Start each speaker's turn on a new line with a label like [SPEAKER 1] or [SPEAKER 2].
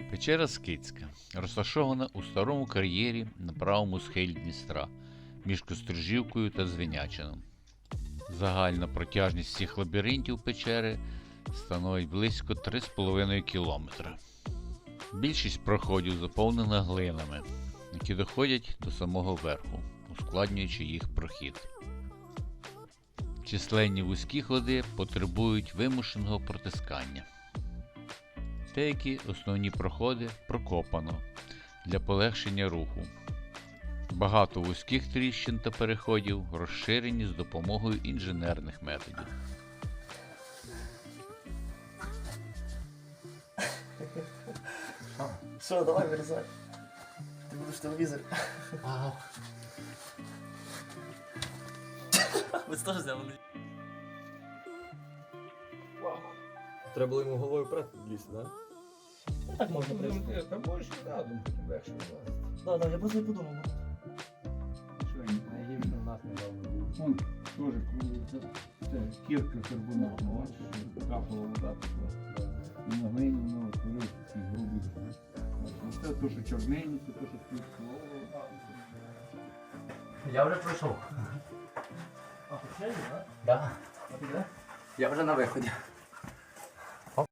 [SPEAKER 1] Печера Скитська розташована у старому кар'єрі на правому схилі Дністра між Кострижівкою та Звинячином. Загальна протяжність всіх лабіринтів печери становить близько 3,5 кілометра. Більшість проходів заповнена глинами, які доходять до самого верху, ускладнюючи їх прохід. Численні вузькі ходи потребують вимушеного протискання. Деякі основні проходи прокопано для полегшення руху. Багато вузьких тріщин та переходів розширені з допомогою інженерних методів.
[SPEAKER 2] Що, давай вирізай. Ти будеш телевізор.
[SPEAKER 3] Ага.
[SPEAKER 2] Ви теж взяли.
[SPEAKER 3] Треба було йому головою вперед лізти, так?
[SPEAKER 2] Ну так можна прийти.
[SPEAKER 4] Там можеш і задом, потім легше вилазити.
[SPEAKER 2] Да, я просто не подумав.
[SPEAKER 4] Що він найгірше у нас недавно був. Вон теж крутиться. Це кірка карбонатна, бачиш, капала вода така. І на глині воно утворив ці грубі. Це то, що чорненьке, то, що співслово.
[SPEAKER 3] Я вже пройшов.
[SPEAKER 2] А, почали, так?
[SPEAKER 3] Да.
[SPEAKER 2] А ти де?
[SPEAKER 3] Я вже на виході.